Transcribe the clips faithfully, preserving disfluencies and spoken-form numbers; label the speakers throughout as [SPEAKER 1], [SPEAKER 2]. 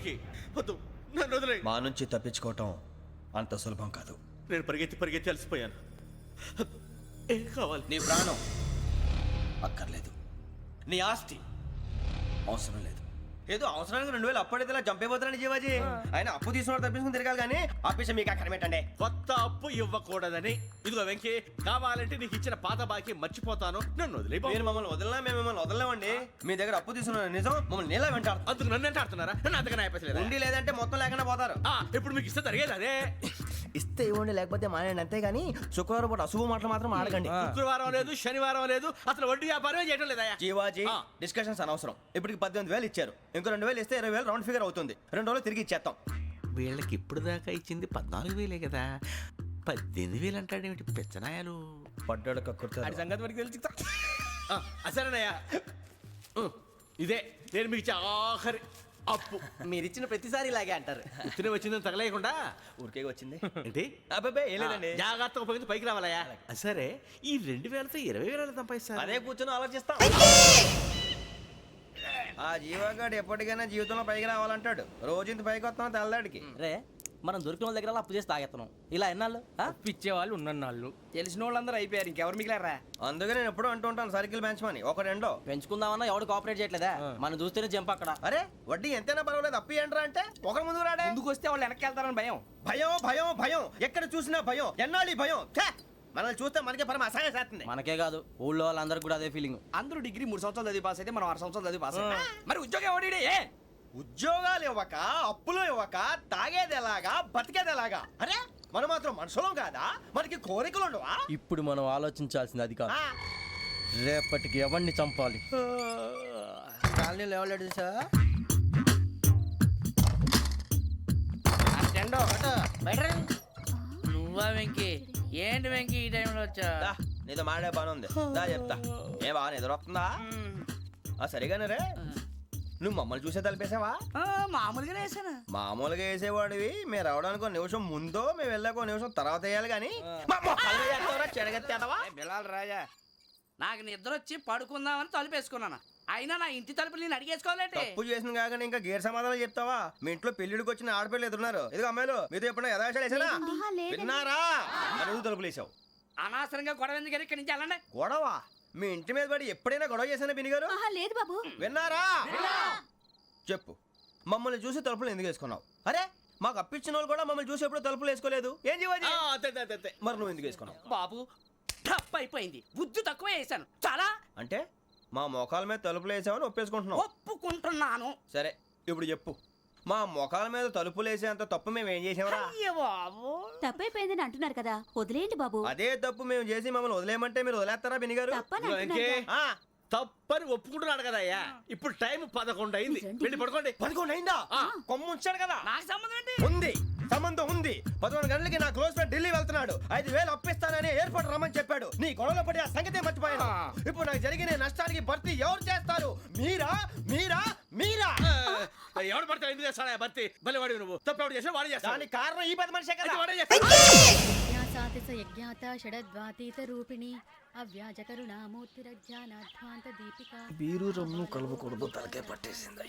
[SPEAKER 1] వెంకీ వద్దు, నన్ను వదిలేయ్.
[SPEAKER 2] మా నుంచి తప్పించుకోవటం అంత సులభం కాదు.
[SPEAKER 1] నేను పరిగెత్తి పరిగెత్తి అలసిపోయాను. ఏం కావాలి?
[SPEAKER 2] నీ ప్రాణం అక్కర్లేదు, నీ ఆస్తి అవసరం లేదు. ఏదో అవసరానికి రెండు వేలు అప్పుడైతే ఇలా చంపేపోతారని జీవాజీ. ఆయన అప్పు తీసుకున్న తప్పించుకుని తిరగాలి కానీ ఆపేసి మీకు అక్కడ పెట్టండి.
[SPEAKER 1] కొత్త అప్పు ఇవ్వకూడదని. ఇదిగో వెంకీ, కావాలంటే నీకు ఇచ్చిన పాత బాకీ మర్చిపోతాను, నన్ను వదిలే.
[SPEAKER 2] మీరు మమ్మల్ని వదలనా? మేము మిమ్మల్ని వదలలేమండి. మీ దగ్గర అప్పు తీసుకున్న నిజం మమ్మల్ని నీలా వెంటాడు.
[SPEAKER 1] అందుకు నన్ను ఎంత ఆడుతున్నారా? నన్ను అంతగా నాయపసలేదు.
[SPEAKER 2] ఉండి లేదంటే మొత్తం లేకుండా పోతారు.
[SPEAKER 1] ఇప్పుడు మీకు ఇస్తే జరిగేది అదే.
[SPEAKER 2] ఇస్తే ఇవ్వండి, లేకపోతే మానేయండి, అంతేగాని శుక్రవారం పూట అశుభ మాటలు మాత్రం ఆడకండి.
[SPEAKER 1] శుక్రవారం లేదు, శనివారం లేదు, అసలు వడ్డీ వ్యాపారమే చేయడం లేదా?
[SPEAKER 2] జీవాజీ డిస్కషన్స్ అనవసరం. ఇప్పటికి పద్దెనిమిది వేలు ఇచ్చారు, ఇంకో రెండు వేలు ఇస్తే ఇరవై వేలు రౌండ్ ఫిగర్ అవుతుంది. రెండు రోజులు తిరిగి ఇచ్చేస్తాం.
[SPEAKER 1] వీళ్ళకి ఇప్పుడు దాకా ఇచ్చింది పద్నాలుగు వేలే కదా, పద్దెనిమిది వేలు అంటాడేమిటి పెచ్చనాయాలు?
[SPEAKER 2] పడ్డాడు కక్కుర్తాడు.
[SPEAKER 1] సంగతి వరకు తెలిసి అసలేనయ్యా, ఇదే నేను మీకు ఇచ్చే ఆఖరి అప్పు.
[SPEAKER 2] మీరిచ్చిన ప్రతిసారి ఇలాగే అంటారు.
[SPEAKER 1] ఉత్తినే వచ్చిందని తగలేయకుండా
[SPEAKER 2] ఊరికే వచ్చింది
[SPEAKER 1] ఏంటి?
[SPEAKER 2] అబ్బాబే ఏం లేదండి.
[SPEAKER 1] జాగ్రత్తగా ఉపయోగించి పైకి రావాలయ్యా. సరే, ఈ రెండు వేలతో ఇరవై వేల సంపాదిస్తారు.
[SPEAKER 2] అదే కూర్చొని ఆలోచిస్తాం. ఆ జీవగాడు ఎప్పటికైనా జీవితంలో పైకి రావాలంటాడు. రోజు ఇంత పైకి వస్తాం తెల్లడికి.
[SPEAKER 3] రే, మనం దొరికిన వాళ్ళ దగ్గర అప్పు చేసి తాగెత్తనం. ఇలా ఎన్నాళ్ళు
[SPEAKER 4] పిచ్చే వాళ్ళు ఉన్నన్నాళ్ళు తెలిసిన వాళ్ళందరూ అయిపోయారు, ఇంకెవరు మిగిలారా?
[SPEAKER 2] అందుకే నేను ఎప్పుడు అంటూ ఉంటాను సర్కిల్ బెంచ్ మని ఒక రెండో
[SPEAKER 3] పెంచుకుందామన్నా ఎవడు కోఆపరేట్ చేయట్లేదా? మనం చూస్తేనే జంప్ అక్కడ.
[SPEAKER 2] అరే వడ్డీ ఎంతైనా పర్వాలేదు, అప్పు ఏంట్రా అంటే ఒకరి ముందు రాడే.
[SPEAKER 4] ముందుకు వస్తే వాళ్ళు వెనక్కి వెళ్తారని భయం.
[SPEAKER 2] భయం భయం భయం ఎక్కడ చూసినా భయం. ఎన్నాళ్ళు ఈ భయం? మనల్ని చూస్తే మనకే పరమ అసహాయం చేస్తుంది.
[SPEAKER 3] మనకే కాదు, ఊళ్ళో వాళ్ళందరికీ కూడా అదే ఫీలింగ్.
[SPEAKER 4] అందరూ డిగ్రీ మూడు సంవత్సరాలు చదివి పాస్ అయితే మనం ఆరు సంవత్సరాలు చదివి పాస్ అయ్యాం. మరి ఉద్యోగం ఎవడి? ఏ
[SPEAKER 2] ఉద్యోగాలు ఇవ్వక, అప్పులు ఇవ్వక, తాగేది ఎలాగా, బతికేది ఎలాగా? అరే మనం మాత్రం మనుషులం కాదా? మనకి కోరికలు ఉండవా?
[SPEAKER 3] ఇప్పుడు మనం ఆలోచించాల్సింది అది కాదు, రేపటికి ఎవరిని చంపాలి. కాలనీలో ఎవరు సార్?
[SPEAKER 5] నువ్వా వెంకీ? ఏంటి వెంకీ ఈ టైంలో వచ్చా?
[SPEAKER 2] నీతో మాడే పని ఉంది, దా చెప్తా. ఏ బాగా నిద్రొస్తుందా? ఆ సరిగానే రే, నువ్వు మమ్మల్ని చూసే తలిపేసావా?
[SPEAKER 5] మామూలుగానే వేసాను.
[SPEAKER 2] మామూలుగా వేసేవాడివి. మేము రావడానికి ఒక నిమిషం ముందో మేము వెళ్ళాక ఒక నిమిషం తర్వాత వేయాలి కానీ
[SPEAKER 4] బిలాల్ రాజా,
[SPEAKER 5] నాకు నిద్ర వచ్చి పడుకుందామని తలుపు వేసుకున్నాను. అయినా నా ఇంటి తలుపులు నేను అడిగేసుకోవాలంటే
[SPEAKER 2] తప్పు చేసిన కాక ఇంకా గేర్ సమాధానం చెప్తావా? మీ ఇంట్లో పెళ్లిడికి వచ్చిన ఆడపిల్లలు ఎదురున్నారు. ఇదిగో అమ్మాయిలు, మీతో ఎప్పుడైనా యథాశాలు వేసానా? విన్నారా? అడుగు తలుపులు వేసావు.
[SPEAKER 5] అనవసరంగా గొడవ ఎందుకు? ఇక్కడి నుంచి వెళ్ళండి.
[SPEAKER 2] గొడవ? మీ ఇంటి మీద పడి ఎప్పుడైనా గొడవ చేశానా బిని గారు?
[SPEAKER 6] లేదు బాబు.
[SPEAKER 2] విన్నారా? చెప్పు, మమ్మల్ని చూసి తలుపులు ఎందుకు వేసుకున్నావు? అరే మాకు అప్పించిన వాళ్ళు కూడా మమ్మల్ని చూసి ఎప్పుడు తలుపులు వేసుకోలేదు. ఏం చేయాలి? మరి నువ్వు ఎందుకు వేసుకున్నావు?
[SPEAKER 5] బాబు టప్ అయిపోయింది, బుద్ధి తక్కువ వేసాను చాలా.
[SPEAKER 2] అంటే మా మోకాల మీద తలుపులు వేసామని ఒప్పేసుకుంటున్నావు?
[SPEAKER 5] ఒప్పుకుంటున్నాను.
[SPEAKER 2] సరే ఇప్పుడు చెప్పు, మా మొఖాల మీద తలుపులు వేసేంత తప్పు మేము ఏం చేసామరా?
[SPEAKER 6] తప్పైపోయిందని అంటున్నారు కదా, వదిలేయండి బాబు.
[SPEAKER 2] అదే తప్పు మేము చేసి మమ్మల్ని వదిలేయమంటే మీరు వదిలేస్తారా బిని గారు?
[SPEAKER 1] తప్పని ఒప్పుకుంటున్నాడు కదా అయ్యా. ఇప్పుడు టైం పదకొండు అయింది, వెళ్ళి పడుకోండి.
[SPEAKER 2] పదకొండు అయిందా? కొమ్ము ఉంచాడు కదా.
[SPEAKER 5] నాకు సంబంధం ఏంటి?
[SPEAKER 2] ఉంది, సంబంధం ఉంది. పదకొండు గంటలకి నా క్లోజ్ ఫ్రెండ్ ఢిల్లీ వెళ్తున్నాడు. ఐదు వేలు అప్పిస్తానని ఎయిర్పోర్ట్ రమ్మని చెప్పాడు. నీ గొడవలో పడి ఆ సంగతి మర్చిపోయాను. ఇప్పుడు నాకు జరిగిన నష్టానికి భర్తీ ఎవరు చేస్తారు? మీరా మీరా మీరా?
[SPEAKER 1] ఎవడు పడితే ఎందుకు చేస్తాడా భర్తీ? మళ్ళీ వాడి నువ్వు తప్పు ఎవడు చేసా వాడు చేస్తా.
[SPEAKER 2] దానికి కారణం ఈ పది మనిషే కదా. బీరు రమ్ము కలుపుకూడదు, తలకే పట్టేసింది.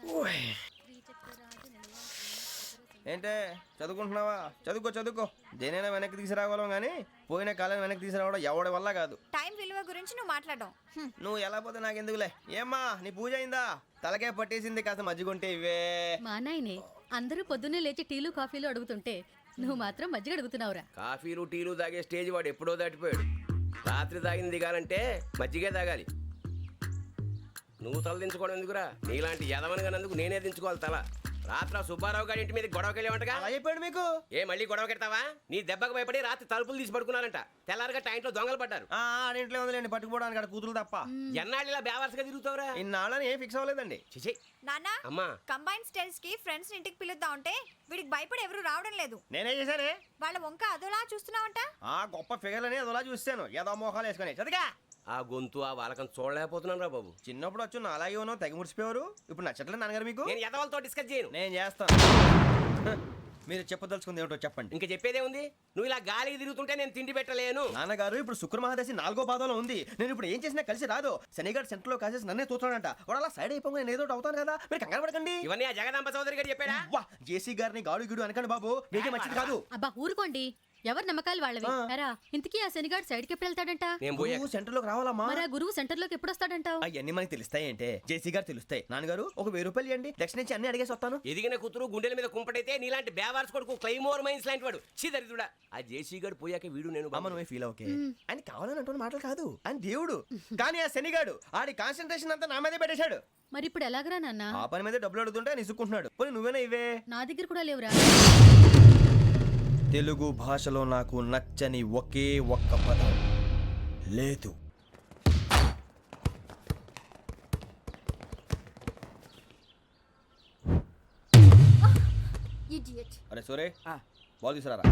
[SPEAKER 2] ఏంటే చదువుకుంటున్నావా? చదువుకో చదువుకో. దేనైనా వెనక్కి తీసుకురావాలం కానీ పోయిన కాలం వెనక్కి తీసుకురావడం ఎవడి వల్ల కాదు.
[SPEAKER 6] టైం విలువ గురించి నువ్వు మాట్లాడడం.
[SPEAKER 2] నువ్వు ఎలా పోతే నాకు ఎందుకులే. ఏమ్మా నీ పూజ అయిందా? తలకే పట్టేసింది, కాస్త మజ్జిగుంటే ఇవే.
[SPEAKER 6] మా నాయనే అందరూ పొద్దున్నే లేచి టీలు కాఫీలు అడుగుతుంటే నువ్వు మాత్రం మజ్జిగ అడుగుతున్నావురా.
[SPEAKER 7] కాఫీలు టీలు తాగే స్టేజ్ వాడు ఎప్పుడో దాటిపోయాడు. రాత్రి తాగింది దిగాలంటే మజ్జిగే తాగాలి. నువ్వు తల దించుకోవడం ఎందుకురా? నీలాంటి యదవనగానందుకు నేనే దించుకోవాలి తల. రాత్రి సుబ్బారావు గారి ఇంటి మీద గొడవకి వెళ్ళేవంటగా.
[SPEAKER 2] అలా చెప్పాడు మీకు?
[SPEAKER 7] ఏ మళ్ళీ గొడవ కెడతావా? నీ దెబ్బకు భయపడి రాత్రి తలుపులు తీసి పడుకున్నారంట. తెల్లారగా టైంట్లో దొంగలు పడ్డారు.
[SPEAKER 2] ఆ ఇంట్లో ఉందిలేండి, పట్టుకుపోవడానికి అక్కడ కూతురు తప్ప.
[SPEAKER 7] ఎన్నాళ్ళు ఇలా బేవర్స్గా తిరుగుతావురా?
[SPEAKER 2] ఇన్నాళ్ళని ఏం ఫిక్స్ అవ్వలేదండి.
[SPEAKER 7] చిచి
[SPEAKER 6] నాన్న,
[SPEAKER 7] అమ్మా,
[SPEAKER 6] కంబైన్ స్టైల్స్ కి ఫ్రెండ్స్ ఇంటికి పిలుద్దాం అంటే వీడికి భయపడి ఎవరు రావడం లేదు.
[SPEAKER 2] నేనే చేశానే.
[SPEAKER 6] వాళ్ళ వంక అదోలా చూస్తున్నావంట.
[SPEAKER 2] ఆ గొప్ప ఫిగర్లని అదోలా చూస్తాను, ఏదో మోహాలు వేసుకొని. చదిగా
[SPEAKER 7] ఆ గొంతు ఆ వాళ్ళకం చూడలేకపోతున్నాను రా బాబు.
[SPEAKER 2] చిన్నప్పుడు వచ్చి నా అలాగే ఉన్నావు, తెగ ముడిచిపోయారు. ఇప్పుడు నచ్చట్లేదు నాన్నగారు మీకు?
[SPEAKER 7] నేను ఎదవలతో డిస్కస్ చేయను.
[SPEAKER 2] నేను చేస్తాను. మీరు చెప్పదలుచుకుంది ఏమిటో చెప్పండి.
[SPEAKER 7] ఇంకా చెప్పేదే ఉంది. నువ్వు ఇలా గాలికి తిరుగుతుంటే నేను తిండి పెట్టలేను.
[SPEAKER 2] నాన్నగారు ఇప్పుడు శుక్ర మహాదశి నాలుగో పాదంలో ఉంది. నేను ఇప్పుడు ఏం చేసినా కలిసి రాదు. శనిగారు సెంటర్ లో కాసేసి నన్నే చూస్తున్నాడంట. వాడు అలా సైడ్ అయిపోయి నేను ఏదో ఒకటి అవుతాను కదా, మీరు కంగారు పడకండి.
[SPEAKER 7] ఇవన్నీ ఆ జగదాంబ చౌదరి గారు చెప్పాడా?
[SPEAKER 2] వా జేసీ గారిని గాడు గిడు అనకండి బాబు, మీకే మంచిది కాదు.
[SPEAKER 6] అబ్బా ఊరుకోండి, ఎవరి నమ్మకాలు వాళ్ళవి. ఎరా ఇంతకీ ఆ శనిగాడు సైడ్ కి ఎప్పుడు వెళ్తాడంట?
[SPEAKER 7] నేను పోయా.
[SPEAKER 2] నువ్వు సెంటర్ లోకి రావాలమ్మా.
[SPEAKER 6] మరి ఆ గురువు సెంటర్ లోకి ఎప్పుడు వస్తాడంటావు?
[SPEAKER 2] అవన్నీ మనకి తెలుస్తాయి అంటే జేసీ గారు తెలుస్తాయి. నాన్నగారు ఒక వెయ్యి రూపాయలు ఇవ్వండి, దక్షిణ నుంచి అన్ని అడిగేసి వస్తాను.
[SPEAKER 7] ఎదిగిన కూతురు గుండెల మీద కుంపటైతే నీలాంటి బేవార్స్ కొడుకు క్లైమోర్ మైన్స్ లాంటి వాడు చీదరిదుడా. ఆ జేసీ గారు పోయాక వీడు నేను
[SPEAKER 2] అమ్మ నువ్వే ఫీల్ ఓకే. ఆయన కావాలని అంటున్న మాటలు కాదు, ఆయన దేవుడు. కానీ ఆ శనిగాడు ఆడి కాన్సన్ట్రేషన్ అంతా నా మీదే పెట్టేశాడు.
[SPEAKER 6] మరి ఇప్పుడు ఎలాగరా నాన్న?
[SPEAKER 2] ఆ పని మీద డబ్బులు అడుగుతుంటే ఆయన ఇసుక్కుంటున్నాడు. పోనీ నువ్వేనా ఇవే?
[SPEAKER 6] నా దగ్గర కూడా లేవురా.
[SPEAKER 2] తెలుగు భాషలో నాకు నచ్చని ఒకే ఒక్క పదం లేదు. అరే సోరే బాల్ తీసుకురారా.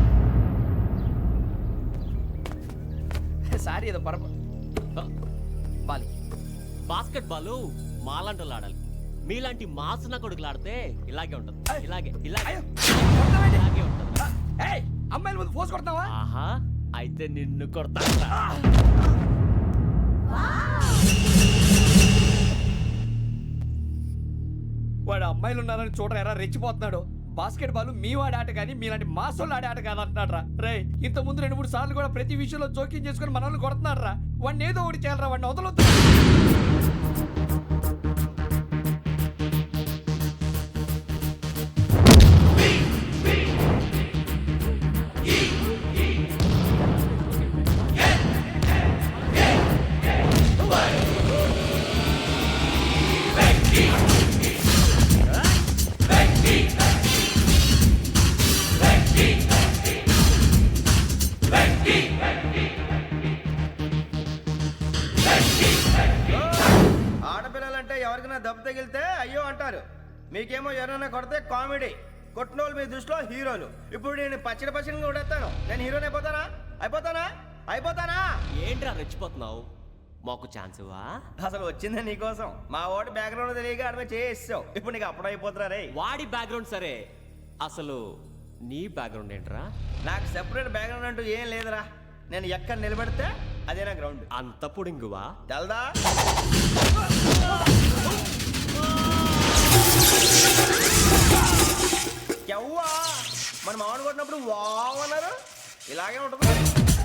[SPEAKER 4] సారీ ఏదో పరప బాలి
[SPEAKER 8] బాస్కెట్ బాల్ మాలాంటి ఆడాలి. మీలాంటి మాసన కొడుకులు ఆడితే ఇలాగే ఉంటది. ఇలాగే ఇలాగే ఇలాగే ఉంటది.
[SPEAKER 4] ఏయ్ అమ్మాయిల ముందు ఫోర్స్ కొడతావా?
[SPEAKER 8] ఆహా అయితే నిన్ను కొడతా.
[SPEAKER 4] వాడు అమ్మాయిలు ఉన్నారని చూడరా ఎరా రెచ్చిపోతున్నాడు. బాస్కెట్ బాల్ మీ వాడి ఆట కానీ మీలాంటి మాసోళ్ళు ఆడే ఆట కాదు అంటున్నాడు రా. రే ఇంత ముందు రెండు మూడు సార్లు కూడా ప్రతి విషయంలో జోక్యం చేసుకుని మన వాళ్ళు కొడుతున్నాడు రా. వాడిని ఏదో ఒకటి చేయాలరా, వాడిని వదలొద్దు.
[SPEAKER 2] ఆడపిల్లలంటే ఎవరికైనా దెబ్బ తగిలితే అయ్యో అంటారు, మీకేమో ఎవరైనా కొడితే కామెడీ. కొట్టినోళ్ళు మీ దృష్టిలో హీరోలు. ఇప్పుడు నేను పచ్చడి పచ్చడిగా కొడేస్తాను, నేను హీరోని అయిపోతానా? అయిపోతానా? అయిపోతానా?
[SPEAKER 8] ఏంట్రా రెచ్చిపోతున్నావు? మాకు ఛాన్స్ ఇవ్వా?
[SPEAKER 2] అసలు వచ్చిందే నీకోసం. మా ఓటు బ్యాక్గ్రౌండ్ తెలియక అడమే చేసావు. ఇప్పుడు నీకు అప్పుడు అయిపోతున్నా రే.
[SPEAKER 8] వాడి బ్యాక్గ్రౌండ్ సరే, అసలు నీ బ్యాక్గ్రౌండ్ ఏంట్రా?
[SPEAKER 2] నాకు సెపరేట్ బ్యాక్గ్రౌండ్ అంటూ ఏం లేదురా. నేను ఎక్కడ నిలబడితే అదే నా గ్రౌండ్.
[SPEAKER 8] అంత పుడింగువా?
[SPEAKER 2] తెల్దా? ఎవ్వా మన మామిడి కొట్టినప్పుడు వావ్ అన్నారు, ఇలాగే ఉంటుంది మరి.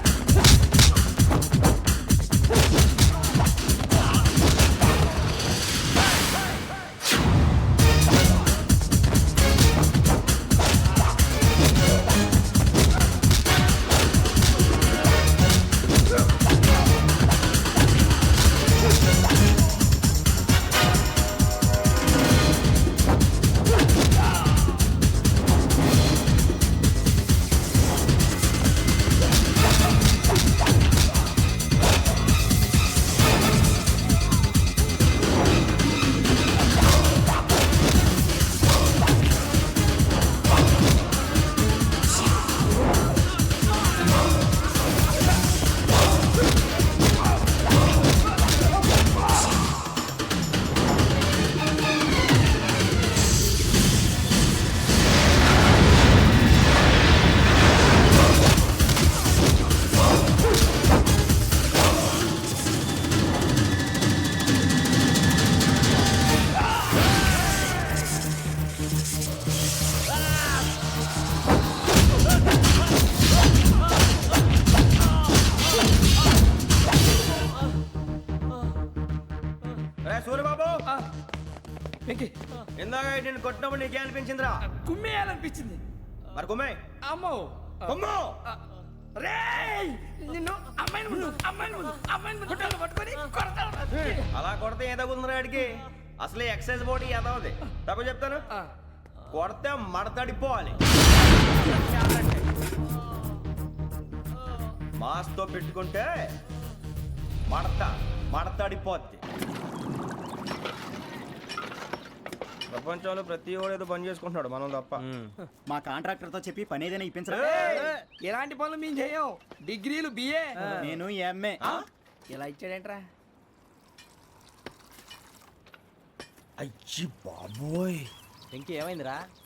[SPEAKER 2] సూర్యబాబు ఇందాక నేను కొట్టినప్పుడు నీకే అనిపించిందిరా?
[SPEAKER 4] కుమ్మేయాలనిపించింది.
[SPEAKER 2] మరి కుమ్మే.
[SPEAKER 4] అమ్మో
[SPEAKER 2] కుమ్ము.
[SPEAKER 4] రేయ్ నిన్ను అమ్మాయిని ముందు అమ్మాయిని ముందు అమ్మాయిని ముందు గుడ్డలు పట్టుకొని కొడతాను.
[SPEAKER 2] అలా కొడితే ఏ తగ్గుతుందిరా ఆడికి? అసలే ఎక్సైజ్ బాడీ ఏదవుది. తప్పు చెప్తాను, కొడితే మడతడిపోవాలి. మాస్తో పెట్టుకుంటే మడత మడతడిపోద్ది. ప్రపంచంలో ప్రతి వాడు ఏదో పని చేసుకుంటున్నాడు, మనం తప్ప.
[SPEAKER 9] మా కాంట్రాక్టర్ తో చెప్పి పని ఏదైనా ఇప్పించరా?
[SPEAKER 4] ఎలాంటి పనులు మేము చేయం. డిగ్రీలు బిఏ,
[SPEAKER 9] నేను ఎంఏ.
[SPEAKER 4] ఇలా ఇచ్చాడేంట్రా?
[SPEAKER 2] అయ్యి బాబోయ్,
[SPEAKER 3] ఇంకేమైందిరా?